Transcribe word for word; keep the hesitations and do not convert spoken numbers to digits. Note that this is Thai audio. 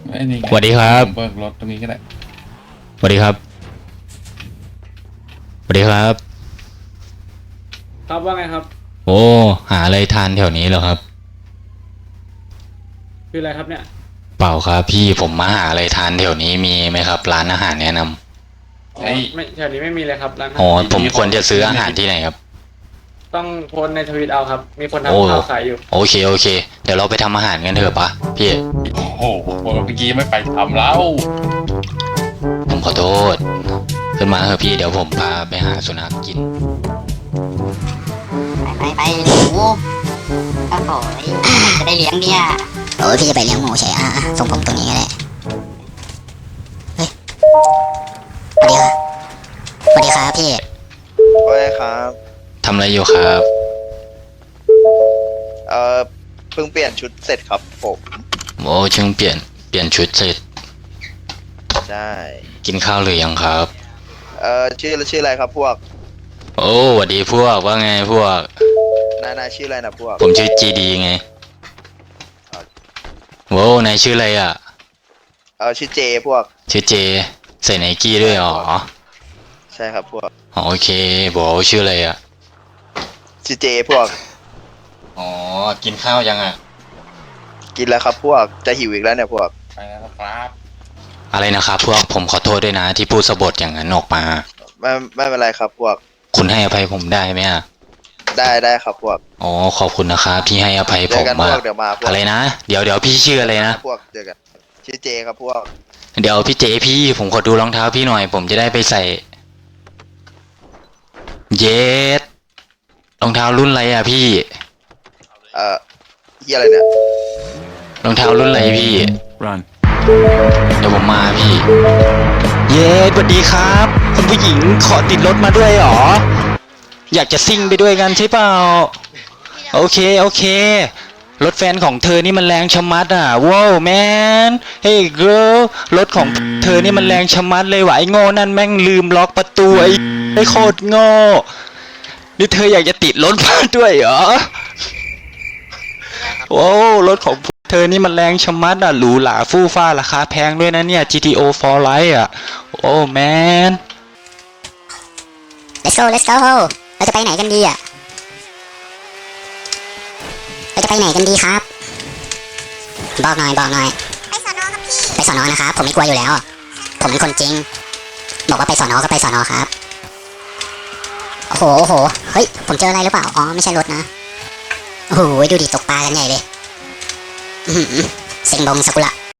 ไอ้นี่ไงสวัสดีครับเบิกรถตรงนี้ก็ได้สวัสดีครับสวัสดีครับครับว่าไงครับโอ้หาอะไรทานแถวนี้เหรอครับคืออะไรครับเนี่ยเปล่าครับพี่ผมมาหาอะไรทานแถวนี้มีไหมครับ ร้านอาหารแนะนำอ๋อไม่แถวนี้ไม่มีเลยครับร้านอาหารอ๋อผมควรจะซื้ออาหารที่ไหนครับต้องโพสต์ในทวิตเอาครับ มีคนโอ้ทำข้าวขายอยู่โอเคโอเค เดี๋ยวเราไปทำอาหารกันเถอะปะพี่โอ้โหเมื่อกี้ไม่ไปทำแล้วผมขอโทษขึ้นมาเถอะพี่เดี๋ยวผมพาไปหาสุนัขกินไปไปหมูโอ้โหจะได้เลี้ยงเนี่ยโอ้ยพี่จะไปเลี้ยงหมูใช่อ่ะส่งผมตรงนี้ก็ได้เฮ้ยสวัสดีครับสวัสดีครับพี่โอ้ยครับทำอะไรอยู่ครับเอ่อ เพิ่งเปลี่ยนชุดเสร็จครับผมโอ้เชิงเปลี่ยนเปลี่ยนชุดเสร็จใช่กินข้าวหรือยังครับเอ่อ ชื่อชื่ออะไรครับพวกโอ้สวัสดีพวกว่าไงพวกนายนายชื่ออะไรนะพวกผมชื่อจีดีไงโว้นายชื่ออะไรอ่ะเอ่อ ชื่อเจพวกชื่อเจใส่ไนกี้ด้วยอ๋อใช่ครับพวกอ๋อโอเคบอกว่าชื่ออะไรอ่ะชื่อเจพวกอ๋อกินข้าวยังอ่ะกินแล้วครับพวก จะหิวอีกแล้วเนี่ยพวกไปแล้วครับอะไรนะครับพวกผมขอโทษด้วยนะที่พูดสะบดอย่างนั้นออกมาไม่ไม่เป็นไรครับพวกคุณให้อภัยผมได้ไหมอ่ะได้ได้ครับพวกอ๋อขอบคุณนะครับที่ให้อภัยเจผอมกันพมาวกเดี๋ยวมาพวกอะไรนะเดี๋ยวเดี๋ยวพี่ชื่ออะไรนะพวกเจอกัน ชื่อเจครับพวกเดี๋ยวพี่เจพี่ผมขอดูรองเท้าพี่หน่อย ผมจะได้ไปใส่เยสรองเท้ารุ่นอะไรอ่ะพี่เอ่อที่อะไรเนี่ยรองเท้ารุ่นอะไรพี่ run เดี๋ยวผมมาพี่ เย้สวัสดีครับ คุณผู้หญิงขอติดรถมาด้วยเหรอ อยากจะซิ่งไปด้วยกันใช่เปล่า โอเค โอเค รถแฟนของเธอนี่มันแรงชะมัดอ่ะ ว้าวแมน เฮ้ยเกิร์ลรถของเธอนี่มันแรงชะมัดเลยว่ะไอ้โง่นั่นแม่งลืมล็อกประตูไอ้ไอ้โคตรโง่นี่เธออยากจะติดรถมาด้วยเหรอ โอ้รถของเธอนี่มันแรงชะมัดอ่ะหรูหราฟู่ฟ้าราคาแพงด้วยนะเนี่ย จี ที โอ for Life อ่ะ โอ้แมน let's go let's go เราจะไปไหนกันดีอ่ะเราจะไปไหนกันดีครับบอกหน่อยบอกหน่อยไปสอนอครับพี่ไปสอนอนะครับผมไม่กลัวอยู่แล้ว ผมเป็นคนจริงบอกว่าไปสอนอก็ไปสอนอครับโอ้โหโอ้โหเฮ้ยผมเจออะไรหรือเปล่าอ๋อไม่ใช่รถนะโอ้โหดูดิตกปลากันใหญ่เลยอื้อหือเซ็งบงสกุละ